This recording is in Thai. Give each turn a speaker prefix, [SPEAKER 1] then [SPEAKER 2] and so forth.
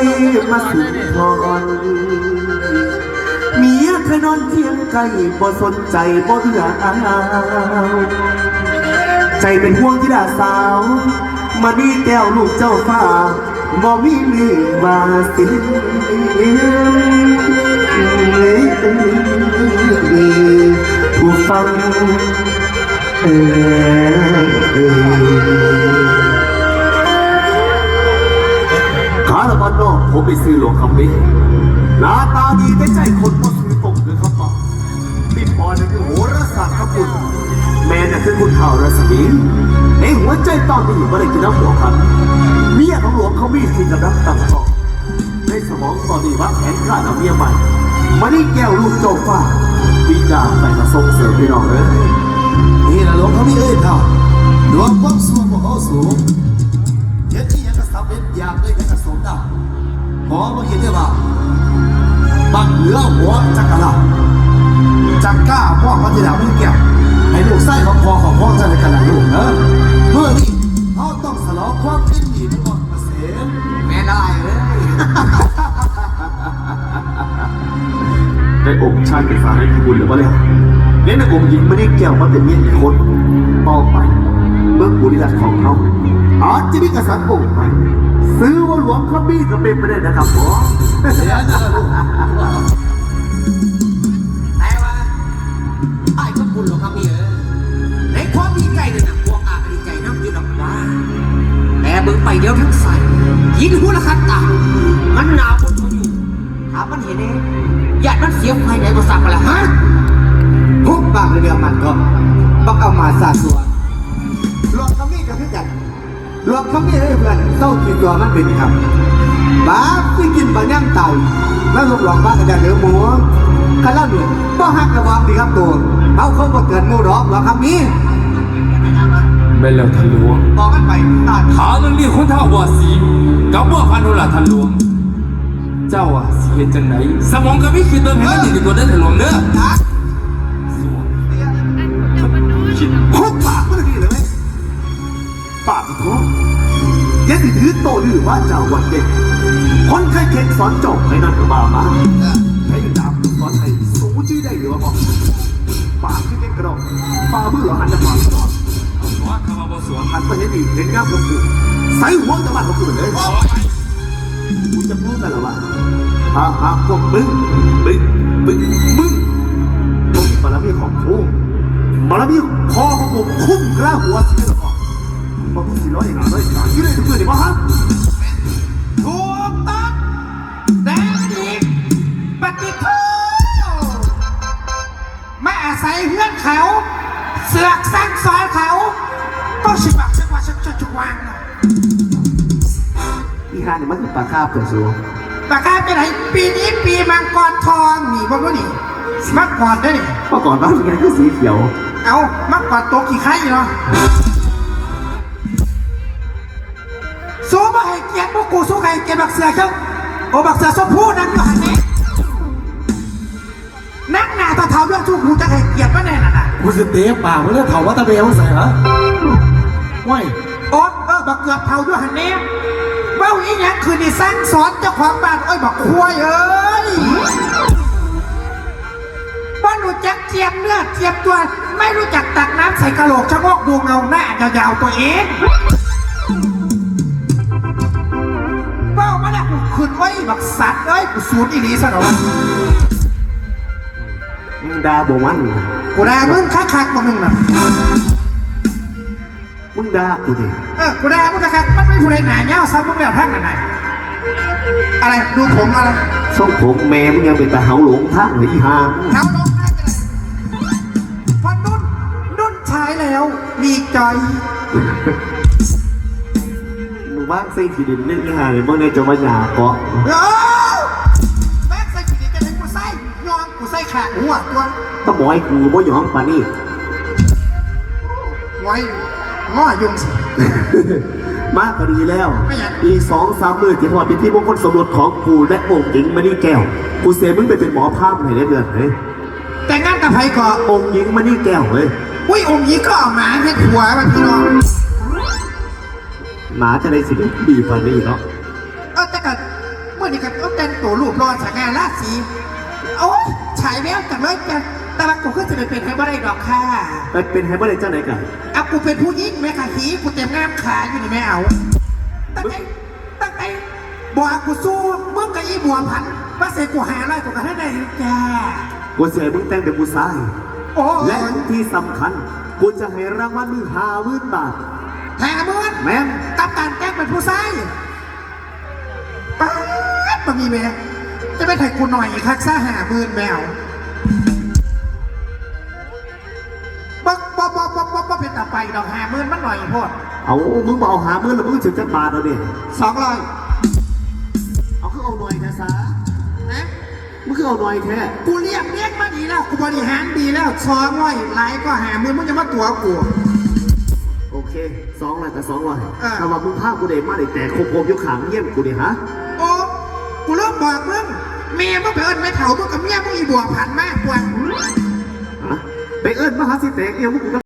[SPEAKER 1] มาสุนทรเมียเคยนอนเคียงไกลบ่สนใจบ่เอื้ออาวใจเป็นห่วงที่ดาสาวมาดีแก้วลูกเจ้าฟ้าบ่มีมือว่าสิผู้ฟังขาละบ้านนอกผมไปซื้อหลวงคำนี้หน้าตาดีแต่ใจคนบ่ซื้อตกคือคำบอกพี่ปอนนั่นคือโหราศาสตร์ครับคุณแม่น่ะคือคุณข่าวรัศมีในหัวใจตอนนี้ไม่ได้กินน้ำหัวครับเมียของหลวงเขามีสิ่งกำลังตั้งท้องในสมองตอนนี้วางแผนฆ่าเอาเมียใหม่มานี่แก้วลูกโจฟ้าวิจารณ์ไปมาส่งเสริมพี่น้องเลยนี่แหละหลวงเขามีค่ะหลวงความสูงของเขาสูงเห็นที่ยังกระสับเล็ดอยากเลยยังกระสมดาหมอมาเห็นได้ว่าบังเหลือหัวจักรลาจักก้าพ่อเขาจะด่าไม่แก้วให้ลูกไส้ของพ่อจะในกระดาษลูกเนอะเมื่อนี้เขาต้องสลองความคิดดีทั้งหมดเกษมแม่ได้เลยได้องค์ชาติเป็นฟ้าให้คุณหรือเปล่าเนี่ยเนี่ยในองค์หญิงไม่ได้แก้วมาเป็นเมียอีกคนต่อไปเมื่อบุรีรัตน์ของเขาอาจจะมีกษัตริย์องค์ใหม่ซื้อว่าหลวงขบี้ก็เป็นไปได้นะครับหมอ
[SPEAKER 2] แต่ว่าไอ้ก็คุณหรอกครับพี่ในความดีใจเนี่ยนะพวกอาดีใจน้ำยืนออกว่าแต่เบิ่งไปเดี๋ยวทั้งใส่ยินหัวละคันตามันหนาวบนเขาอยู่ถามมันเห็นเองญาติมันเสียไฟไหนมาสั่งมาละฮะทุกบางเรื่องมันก็บักเอามาสาสัวหลวงขบี้ก็คือกันหลวงขบี้ให้เพื่อนเศร้ากินตัวมันเป็นครับบ้าที่กินบะย่างไตแล้วลูกหลอกบ้านกระดาษเหลือหมูข้าเล่าหนึ่งก็หักระวังดีครับตัวเขาบ่เกิดมูดอกหรอกครับนี้
[SPEAKER 3] ไม่แล้วท่านหลวง
[SPEAKER 2] บอกกันไปตัด
[SPEAKER 3] ขาเรื่องนี้คนเท่าว่าสีกับว่าพันธุละท่านหลวงเจ้าอ่ะสีเห็นจังไหนสมองก็ไม่คิดเติมให้มันดีตัวได้ท่านหลวงเด้อ
[SPEAKER 1] คิดพุกปากมันดีเลยไหมปากที่ท้องยังถือโตหรือว่าเจ้าวันเด็กคนใครเข็นสอนจบให้นั่นก็บามาให้ดาบสอนให้สู้ชื่อได้หรือว่าบอกปากที่เล็กกระดองปาเบื่อหันจะปากสอน
[SPEAKER 3] ว่าคำว่าสวม
[SPEAKER 1] หันไปเห็นอีกเห็นงามกับกูใส่หัวจะมาของกูเลยกูจะพูดกันหรอวะหาพวกมึงมาแล้วมีของกูมาแล้วมีคอของผมคุ้มกล้าหัวสิหรอบอกกูสิร้อยอย่างไรยี่เลยทุกคนดิวะฮะ
[SPEAKER 2] ถูกต้องแต่ดีปฏิทูไม่อาศัยเพื่อนเขาเสือกสร้างซอยเขาก็ชิบักชักว่าชักจุกวาง
[SPEAKER 1] อีฮาเนี่ยมันคือปลาคาบเปิดสู
[SPEAKER 2] ปากกาเป็นไรปีนี้ปีมังกรทองหนีบ้างก็หนีมักกอดได้หนิ
[SPEAKER 1] เมื่อก่อนบ้านมันคือสีเขียว
[SPEAKER 2] เอามักกอดโตกี่ไข่เนาะสู้มาให้เกียรติพวกกูสู้ใครเกียรติบักเสือเจ้าโอ้บักเสือสมพูนั่งอยู่หันนี้นั่งหน้าตาเท้าเรื่องชูกูจะให้เกียรติมาแน่น่ะ
[SPEAKER 1] กูจะเตะปากมันเรื่องเถาว่าตะเบียงใส่เหรอว้าย
[SPEAKER 2] โอ๊ตบักเกือบเท้าด้วยหันนี้เบ้าอีหยังคือนี่สร้างสอนเจ้าของบ้านโอ้ยบักควายเอ้ยบ้านรู้จักเจียมเนื้อเจียมตัวไม่รู้จักตักน้ำใส่กระโหลกชะโงกดูเงาหน้ายาวๆตัวเองเบ้ามาเนี่ยกูขึ้นไว้บักสัตว์เอ้ยกูสูดอีนี้ซะหน่อย
[SPEAKER 1] มึงด่าบ่มัน
[SPEAKER 2] กูด่ามึงคักๆมึงน่ะ
[SPEAKER 1] มึงด่ากูดิ
[SPEAKER 2] กูด่ามึงคักๆมันไม่ผู้ใดหนาเงี้ยซ้ำมึงแล้วทั้งไหนอะไรดูผมอะไร
[SPEAKER 1] ส่งผมแม่มึงยังเป็นตาเหาหลงทั้งหรืออีห่า
[SPEAKER 2] เหาหลงทั้งเลยพอนุ่นใช้แล้วดีใจ
[SPEAKER 1] มึงบ้างใส่ขีดินเล่นอีห่าเลยเมื่อในจะมาหยาเกาะ
[SPEAKER 2] แม่ใส่ขีดินจะให้กูใส่ยอมกูใส่ขาหัวตัว
[SPEAKER 1] ต้องบอกให้กูบ่ยอมปานี่
[SPEAKER 2] ไว้ง้อยุงสิ
[SPEAKER 1] มากก็ดีแล้วอีก2-3 มื้อที่พอเป็นที่มงคลสมรสของกูและองค์หญิงมานี่แก้วกูเสียมึงไปเป็นหมอภาพไหนได้เดือนเฮ้ย
[SPEAKER 2] แต่งานกับใครก่อ
[SPEAKER 1] องค์หญิงมานี่แก้วเฮ้ย
[SPEAKER 2] อุ้ยองค์หญิงก็เอาหมาให้ผัวมันพี่น้อง
[SPEAKER 1] หมาจะได้สิดีฟันนี่เนาะ
[SPEAKER 2] แต่กันม
[SPEAKER 4] มื่อนี้ก็ต้องแต่งตัวรูปรอสง่าราศีโอ้ยฉายแววจังเลยกันแต่ว่ากูก็จะไปเป็นให้บ่ได้ดอกค่ะ
[SPEAKER 1] เป็นให้บ่ได้เจ้าไหนกัน
[SPEAKER 4] เอากูเป็นผู้หญิงแม่ค่ะหีกูเต็มงามขาอยู่นี่แม่เอาตั้งแต่บัวกูสู้มึงกับอีบัวพันว่าเสกกูหาอะไรกูกันให้ได้จ้า
[SPEAKER 1] กูเสียมึงแต่งเป็นผู้ชาย
[SPEAKER 4] โอ้
[SPEAKER 1] และที่สำคัญกูจะให้รางวัลมึง50,000 บาท
[SPEAKER 4] แหาเมื่อ
[SPEAKER 1] แม่น
[SPEAKER 4] กับการแจ้งเป็นผู้ชายป๊าดมามีแม่จะไม่ถ่ายกูหน่อยคักซ่า50,000แมวบ่เป็นต่อไปดอก50,000มันหน่อยโพด
[SPEAKER 1] เอามึงบอกเอา50,000แล้วมึงถึงจะบาทเอาดิ
[SPEAKER 4] 200
[SPEAKER 1] เอาคือเอาหน่อยแท้ซะ
[SPEAKER 4] นะ
[SPEAKER 1] มึงคือเอาหน่อยแท้
[SPEAKER 4] กูเรียกมาดีแล้วกูบริหารดีแล้ว200หลายก็50,000มึงจะมาตัวกู
[SPEAKER 1] โอเค200กับ200
[SPEAKER 4] อ่า
[SPEAKER 1] ถ้าว่ามึงพากูได้มาได้แต่โคมอยู่ขางเยี่ยมกูดิฮะ
[SPEAKER 4] โอ้กูเริ่มบอกมึงเมียมึงไปเอิญไม่เถามึงกับเมียมึงอีบัวพันมากกว่า
[SPEAKER 1] ฮะไปเอิ้นมาหาสิแตกเอี่ยวมึงกู